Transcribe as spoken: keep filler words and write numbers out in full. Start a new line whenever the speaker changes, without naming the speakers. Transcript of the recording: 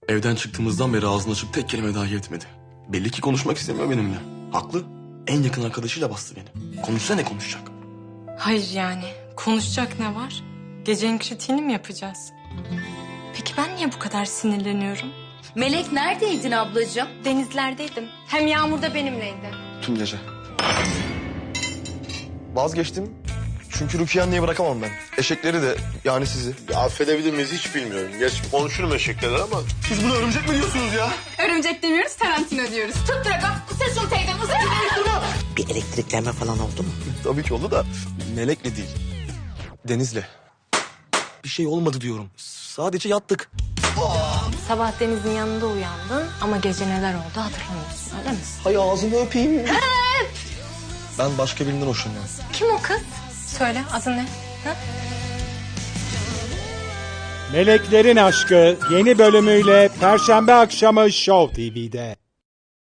Evden çıktığımızdan beri ağzını açıp tek kelime dahi etmedi. Belli ki konuşmak istemiyor benimle. Haklı. En yakın arkadaşıyla bastı beni. Konuşsa ne konuşacak?
Hayır yani. Konuşacak ne var? Gecenin kritiğini mi yapacağız? Peki ben niye bu kadar sinirleniyorum?
Melek neredeydin ablacığım?
Denizlerdeydim. Hem Yağmur da benimleydi.
Tüm gece. Vazgeçtim. Çünkü Rukiye anneye bırakamam ben. Eşekleri de yani sizi.
Ya affedebilir miyiz hiç bilmiyorum. Geç konuşurum eşekler ama.
Siz buna örümcek mi diyorsunuz ya?
Örümcek demiyoruz, Tarantino diyoruz. Tut Drago, sen şunu teyzem uzun.
Bir elektriklenme falan oldu mu?
Tabii ki oldu da Melek'le değil. Deniz'le. Bir şey olmadı diyorum. Sadece yattık.
Sabah Deniz'in yanında uyandın ama gece neler oldu hatırlamıyorsun öyle mi?
Hay ağzını öpeyim. Ben başka birinden hoşlanıyorum.
Kim o kız? Söyle adı ne? Ha?
Meleklerin Aşkı yeni bölümüyle Perşembe akşamı Show T V'de.